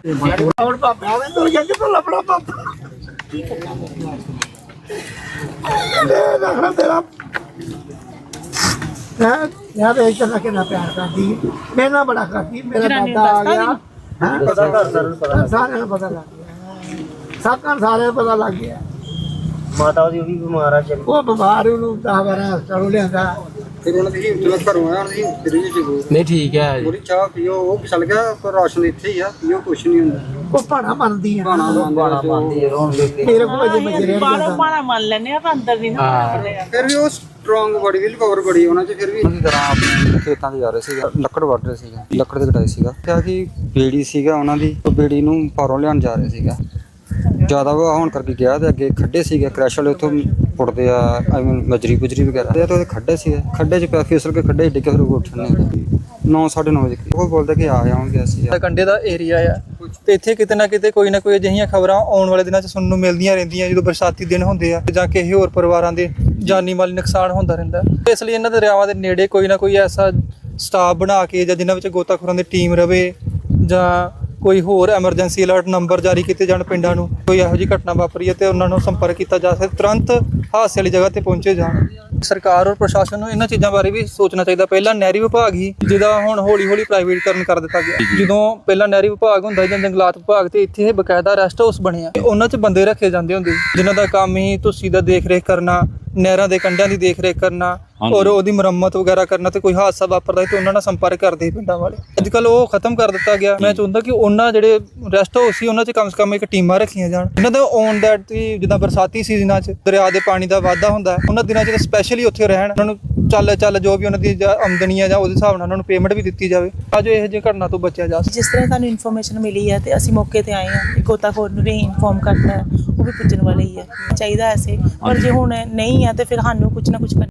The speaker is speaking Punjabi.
ਹੁਣ ਪਾਪਾ ਵੇ ਤੂੰ ਕਿੱਥੋਂ ਲੱਭਣਾ ਪਾਪਾ ਦੇਖਣਾ ਤੇਰਾ यार एक तरह के ना प्यार करती मैं ना बड़ा करती मेरा दादा आ गया पता सारे पता लग गया सब सारे पता लग गया माता दी भी बीमार है वो बीमार ਉਹਨੂੰ 10 12 ਚਲੋ ਲਿਆਂਦਾ ਫਿਰ ਉਹਨਾਂ ਦੀ ਤੁਰੰਤ ਘਰੋਂ ਆਇਆ ਉਹਦੀ ਫਿਰ ਜੀ ਨਹੀਂ ਠੀਕ ਹੈ ਥੋੜੀ ਚਾਹ ਪੀਓ ਉਹ ਫਿਸਲ ਗਿਆ ਪਰ ਰਾਸ਼ਨ ਇੱਥੇ ਹੀ ਆ ਪੀਓ ਕੁਛ ਨਹੀਂ ਹੁੰਦਾ ਉਹ ਭਾਣਾ ਮੰਨਦੀ ਆ ਭਾਣਾ ਮੰਨਦੀ ਹੈ ਰੋਣ ਦੇ ਮੇਰੇ ਕੋਲ ਜੇ ਮਜਰੇ ਪਾਣਾ ਮੰਨ ਲੈਨੇ ਆ ਅੰਦਰ ਦੀ ਨਾ ਫਿਰ ਵੀ ਉਹ ਸਟਰੋਂਗ ਬੜੀ ਵੀ ਪਾਵਰ ਬੜੀ ਉਹਨਾਂ 'ਚ ਫਿਰ ਵੀ ਉਹਨਾਂ ਦੀ ਤਰ੍ਹਾਂ ਆਪਣੇ ਖੇਤਾਂ 'ਤੇ ਜਾ ਰਹੇ ਸੀਗਾ ਲੱਕੜ ਵੱਢ ਰਹੇ ਸੀਗਾ ਲੱਕੜ ਦੇ ਕਟਾਈ ਸੀਗਾ ਕਿਹਾ ਕਿ ਬੇੜੀ ਸੀਗਾ ਉਹਨਾਂ ਦੀ ਉਹ ਬੇੜੀ ਨੂੰ ਪਾਰੋਂ ਲਿਆਉਣ ਜਾ ਰਹੇ ਸੀਗਾ ਜ਼ਿਆਦਾ ਵਹਾਅ ਹੋਣ ਕਰਕੇ ਗਿਆ ਤੇ ਅੱਗੇ ਖੱਡੇ ਸੀਗੇ ਕ੍ਰੈਸ਼ ਵਾਲੇ ਉੱਥੋਂ ਪੁੱਟਦੇ ਆ ਆਈ ਮੀਨ ਬਜਰੀ ਵਗੈਰਾ ਤੇ ਉਹਦੇ ਖੱਡੇ ਸੀਗੇ ਖੱਡੇ 'ਚ ਪਿਆ ਫਿਸਲ ਕੇ ਖੱਡੇ ਡਿੱਗੇ ਫਿਰ ਉੱਠਣ ਨੇ 9:30 ਵਜੇ ਉਹ ਬੋਲਦਾ ਕਿ ਆਉਂਗੇ ਅਸੀਂ ਕੰਢੇ ਦਾ ਏਰੀਆ ਆ ਤੇ ਇੱਥੇ ਕਿਤੇ ਨਾ ਕਿਤੇ ਕੋਈ ਨਾ ਕੋਈ ਅਜਿਹੀਆਂ ਖਬਰਾਂ ਆਉਣ ਵਾਲੇ ਦਿਨਾਂ 'ਚ ਸੁਣਨ ਨੂੰ ਮਿਲਦੀਆਂ ਰਹਿੰਦੀਆਂ ਜਦੋਂ ਬਰਸਾਤੀ ਦਿਨ ਹੁੰਦੇ ਆ ਜਾਂ ਕਿਸੇ ਹੋਰ ਪਰਿਵਾਰਾਂ ਦੇ ਜਾਨੀ ਮਾਲੀ ਨੁਕਸਾਨ ਹੁੰਦਾ ਰਹਿੰਦਾ ਇਸ ਲਈ ਇਹਨਾਂ ਦਰਿਆਵਾਂ ਦੇ ਨੇੜੇ ਕੋਈ ਨਾ ਕੋਈ ਐਸਾ ਸਟਾਫ ਬਣਾ ਕੇ ਜਾਂ ਜਿਨ੍ਹਾਂ ਵਿੱਚ ਗੋਤਾਖੋਰਾਂ ਦੀ ਟੀਮ ਰਵੇ ਜਾਂ ਕੋਈ ਹੋਰ ਐਮਰਜੈਂਸੀ ਅਲਰਟ ਨੰਬਰ ਜਾਰੀ ਕੀਤੇ ਜਾਣ ਪਿੰਡਾਂ ਨੂੰ ਕੋਈ ਇਹੋ ਜਿਹੀ ਘਟਨਾ ਵਾਪਰੀ ਹੈ ਤੇ ਉਹਨਾਂ ਨੂੰ ਸੰਪਰਕ ਕੀਤਾ ਜਾ ਸਕੇ ਤੁਰੰਤ ਹਾਦਸੇ ਵਾਲੀ ਜਗ੍ਹਾ ਤੇ ਪਹੁੰਚੇ ਜਾਣ ਸਰਕਾਰ ਔਰ ਪ੍ਰਸ਼ਾਸਨ ਨੂੰ ਇਹਨਾਂ ਚੀਜ਼ਾਂ ਬਾਰੇ ਵੀ ਸੋਚਣਾ ਚਾਹੀਦਾ ਪਹਿਲਾਂ ਨਹਿਰੀ ਵਿਭਾਗ ਹੀ ਜਿਹਦਾ ਹੁਣ ਹੌਲੀ ਪ੍ਰਾਈਵੇਟਕਰਨ ਕਰ ਦਿੱਤਾ ਗਿਆ ਜਦੋਂ ਪਹਿਲਾਂ ਨਹਿਰੀ ਵਿਭਾਗ ਹੁੰਦਾ ਜਾਂ ਜੰਗਲਾਤ ਵਿਭਾਗ ਤੇ ਇੱਥੇ ਬਕਾਇਦਾ ਰੈਸਟ ਹਾਊਸ ਬਣਿਆ ਉਹਨਾਂ 'ਚ ਬੰਦੇ ਰੱਖੇ ਜਾਂਦੇ ਹੁੰਦੇ ਜਿਨ੍ਹਾਂ ਦਾ ਕੰਮ ਹੀ ਤੁਸੀਂ ਦਾ ਦੇਖ ਰੇਖ ਕਰਨਾ ਨਹਿਰਾਂ ਦੇ ਕੰਢਿਆਂ ਦੀ ਦੇਖ ਰੇਖ ਕਰਨਾ ਔਰ ਉਹਦੀ ਮੁਰੰਮਤ ਵਗੈਰਾ ਕਰਨਾ ਤੇ ਕੋਈ ਹਾਦਸਾ ਵਾਪਰਦਾ ਤੇ ਉਹਨਾਂ ਨਾਲ ਸੰਪਰਕ ਕਰਦੇ ਪਿੰਡਾਂ ਵਾਲੇ ਅੱਜ ਕੱਲ੍ਹ ਉਹ ਖਤਮ ਕਰ ਦਿੱਤਾ ਗਿਆ ਮੈਂ ਚਾਹੁੰਦਾ ਕਿ ਉਹਨਾਂ ਜਿਹੜੇ ਰੈਸਟ ਹਾਊਸ ਸੀ ਉਹਨਾਂ 'ਚ ਕਮ ਸੇ ਕਮ ਇੱਕ ਟੀਮਾਂ ਰੱਖੀਆਂ ਜਾਣ ਇਹਨਾਂ ਦਾ ਔਨ ਦੈਟ ਜਿੱਦਾਂ ਬਰਸਾਤੀ ਸੀਜ਼ਨਾਂ 'ਚ ਦਰਿਆ ਦੇ ਪਾਣੀ ਦਾ ਵਾਧਾ ਹੁੰਦਾ ਉਹਨਾਂ ਦਿਨਾਂ 'ਚ ਸਪੈਸ਼ਲੀ ਉੱਥੇ ਰਹਿਣ ਉਹਨਾਂ ਨੂੰ ਚੱਲ ਜੋ ਵੀ ਉਹਨਾਂ ਦੀ ਆਮਦਨੀ ਆ ਜਾਂ ਉਹਦੇ ਹਿਸਾਬ ਨਾਲ ਉਹਨਾਂ ਨੂੰ ਪੇਮੈਂਟ ਵੀ ਦਿੱਤੀ ਜਾਵੇ ਤਾਂ ਜੋ ਇਹੋ ਜਿਹੀ ਘਟਨਾ ਤੋਂ ਬਚਿਆ ਜਾ ਸਕੇ ਜਿਸ ਤਰ੍ਹਾਂ ਸਾਨੂੰ ਇਨਫੋਰਮੇਸ਼ਨ ਮਿਲੀ ਹੈ ਤੇ ਅਸੀਂ ਮੌਕੇ ਤੇ ਆਏ ਹਾਂ ਗੋਤਾਖੋਰ ਨੂੰ ਵੀ ਇਨਫੋਰਮ ਕਰਤਾ ਉਹ ਵੀ ਪੁੱਜਣ ਵਾਲੇ ਹੀ ਹੈ ਚਾਹੀਦਾ ਐਸੇ ਪਰ ਜੇ ਹੁਣ ਨਹੀਂ ਹੈ ਤੇ ਫਿਰ ਸਾਨੂੰ ਕੁਝ ਨਾ ਕੁਝ